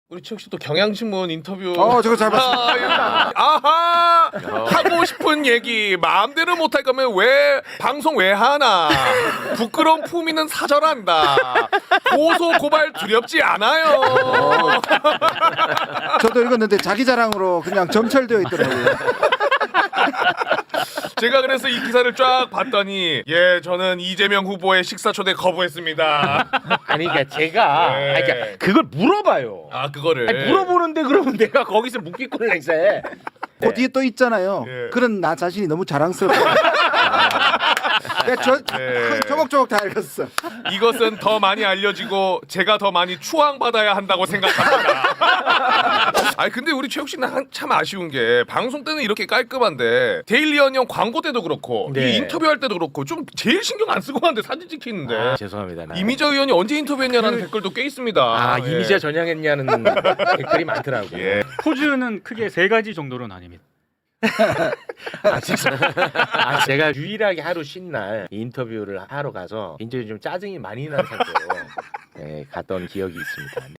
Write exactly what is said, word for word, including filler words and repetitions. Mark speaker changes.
Speaker 1: 우리 최욱 씨도 경향신문 인터뷰.
Speaker 2: 어, 저거 잘 봤습니다.
Speaker 1: 아, 아하 하고 싶은 얘기 마음대로 못할 거면 왜 방송 왜 하나? 부끄러운 품위는 사절한다. 고소 고발 두렵지 않아요.
Speaker 2: 저도 읽었는데 자기 자랑으로 그냥 점철되어 있더라고요.
Speaker 1: 제가 그래서 이 기사를 쫙 봤더니 예 저는 이재명 후보의 식사 초대 거부했습니다.
Speaker 3: 아니 그러니까 제가
Speaker 1: 네.
Speaker 3: 아니, 그러니까 그걸 물어봐요.
Speaker 1: 아 그거를
Speaker 3: 아니, 물어보는데 그러면 내가 거기서 묵기꾼을 행사해.
Speaker 2: 그 뒤에 또 있잖아요.
Speaker 1: 예.
Speaker 2: 그런 나 자신이 너무 자랑스럽고. 내가 저
Speaker 1: 네.
Speaker 2: 조목조목 다 읽었어.
Speaker 1: 이것은 더 많이 알려지고 제가 더 많이 추앙받아야 한다고 생각합니다. 아니 근데 우리 최욱 씨는 한- 참 아쉬운 게 방송 때는 이렇게 깔끔한데 데일리 언영 광고 때도 그렇고
Speaker 3: 네.
Speaker 1: 이 인터뷰할 때도 그렇고 좀 제일 신경 안 쓰고 하는데 사진 찍히는데
Speaker 3: 아, 죄송합니다. 나.
Speaker 1: 이미자 의원이 언제 인터뷰했냐라는 댓글도 꽤 있습니다.
Speaker 3: 아
Speaker 1: 예.
Speaker 3: 이미자 전향했냐는 댓글이 많더라고.
Speaker 1: 예.
Speaker 4: 포즈는 크게 세 가지 정도로는 아닙니다.
Speaker 3: 아, 진짜. 아, 제가 유일하게 하루 쉰 날 인터뷰를 하러 가서 굉장히 좀 짜증이 많이 난 상태로 예, 갔던 기억이 있습니다.